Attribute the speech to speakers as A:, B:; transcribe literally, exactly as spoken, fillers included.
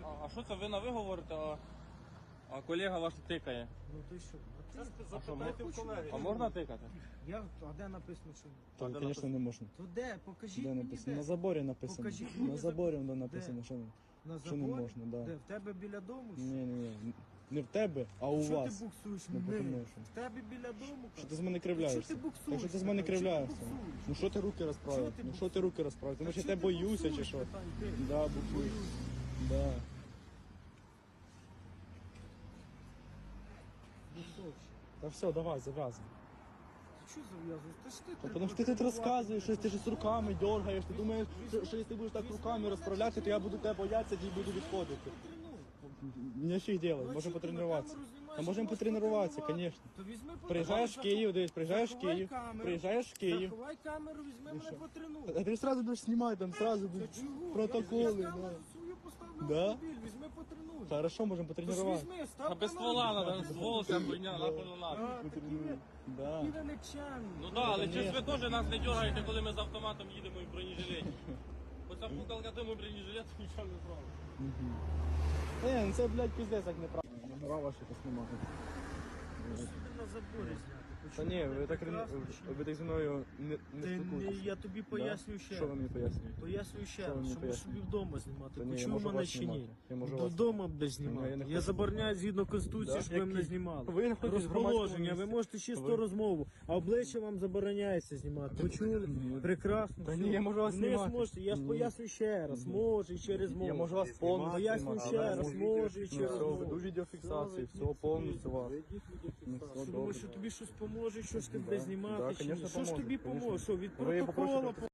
A: А що це ви на ви говорите, а, а колега ваш тикає?
B: Ну ти що? А ти
A: А що,
B: запитайте в колеги.
A: А можна тикати?
B: Я, а де написано, що ні?
C: Там, звісно, не можна.
B: То де? Покажіть
C: Де
B: мені
C: написано?
B: де.
C: На заборі написано.
B: Покажіть
C: На
B: мені
C: заборі
B: забор.
C: воно написано, що,
B: На
C: що не
B: заборі?
C: можна, да.
B: Де? В тебе біля дому?
C: Ні, ні, ні. Не в тебе, а у
B: Що
C: вас.
B: ти буксуєш?
C: Ну,
B: Ми.
C: тому що.
B: В тебе біля дому?
C: Що ти з мене кривляєшся?
B: Що ти буксуєш?
C: Так що ти з мене
B: Чого ти
C: кривляєшся?
B: буксуєш?
C: Ну що ти руки розправив?
B: Чого ти
C: Ну що ти руки розправив? Тому
B: Так
C: що я
B: що
C: тебе
B: ти
C: боюся чи
B: буксуєш,
C: що?
B: питань, ти?
C: Да, буксую. Да.
B: Буксовщик.
C: Та все, давай, зав'язуй.
B: Ти що зав'язуєш? Та ж ти
C: Та Тому що ти тут розказуєш, що ти ж з руками дергаєш, ти думаєш, що, що якщо ти будеш так руками розправляти, то я буду тебе боятися і буду відходити. Мені що й робити, можемо потренуватися. А можемо потренуватися, звісно.
B: То візьми
C: Приїжджаєш в Київ, дивись, приїжджаєш в
B: заховай
C: Київ,
B: камеру.
C: приїжджаєш в Київ.
B: Заховай камеру, візьми мене потренуй.
C: А ти одразу будеш знімати, там одразу
B: Та
C: будуть
B: чого?
C: протоколи.
B: Я, я
C: да.
B: камеру свою поставлю
C: Да?
B: в автомобіль, візьми потренуй.
C: Хорошо, можемо
B: Тож
C: потренуватися.
B: візьми, став
A: А без
B: камеру,
A: ствола
B: візьми,
A: надо, ствол вся хуйня, нахуй не надо.
B: А, такі ви,
C: Да.
B: такі ви нечемні.
A: Ну так, але
C: Конечно.
A: чи ж ви теж нас не дергаєте, коли ми з автоматом їдемо і в бронежилеті? Оця пукалка тому бронежилет нічого не зробить.
C: Е, ну це, блядь, пиздець, як неправильно. Номера ваші знімати.
B: Собі на заборі зняти.
C: Та ні, ви так,
B: Прекрасно,
C: ви, ви так зі мною не, не
B: Ти не,
C: спілкуєтеся.
B: я тобі поясню ще.
C: Що ви мені пояснюєте?
B: Пояснюю ще
C: Що ви
B: раз,
C: мені
B: що можеш
C: пояснюєте?
B: собі вдома знімати.
C: Та ні, я
B: Почув
C: можу
B: мене
C: вас
B: чи ні?
C: знімати. Я можу вас
B: Додому буде
C: Ні, я
B: знімати.
C: не
B: Я
C: хочу.
B: забороняю згідно Конституції,
C: Да?
B: щоб ви мене
C: Які?
B: знімали.
C: Ви не хочете в громадському
B: Розположення, ви
C: місці.
B: можете чисто
C: Ви-
B: розмову, а обличчя вам забороняється знімати. Почули? Прекрасно.
C: Та
B: все.
C: ні, я можу вас
B: Не
C: знімати.
B: зможете, я ж
C: Ні.
B: поясню ще раз. Може і через мову.
C: Я можу вас повністю
B: Поясню
C: знімати.
B: ще
C: Да,
B: раз,
C: можу.
B: може і
C: Ну,
B: через
C: все,
B: мову.
C: веду відеофіксацію,
B: Все,
C: все, повністю вас.
B: Ведіть
C: Ну,
B: відеофіксацію.
C: все
B: Що
C: добре.
B: думаєш, що тобі щось поможе, що ж ти
C: Да.
B: буде знімати?
C: Да,
B: чи ні?
C: конечно,
B: Що ж
C: поможе,
B: тобі
C: конечно.
B: поможе? Що від
C: Ви попросите
B: протокола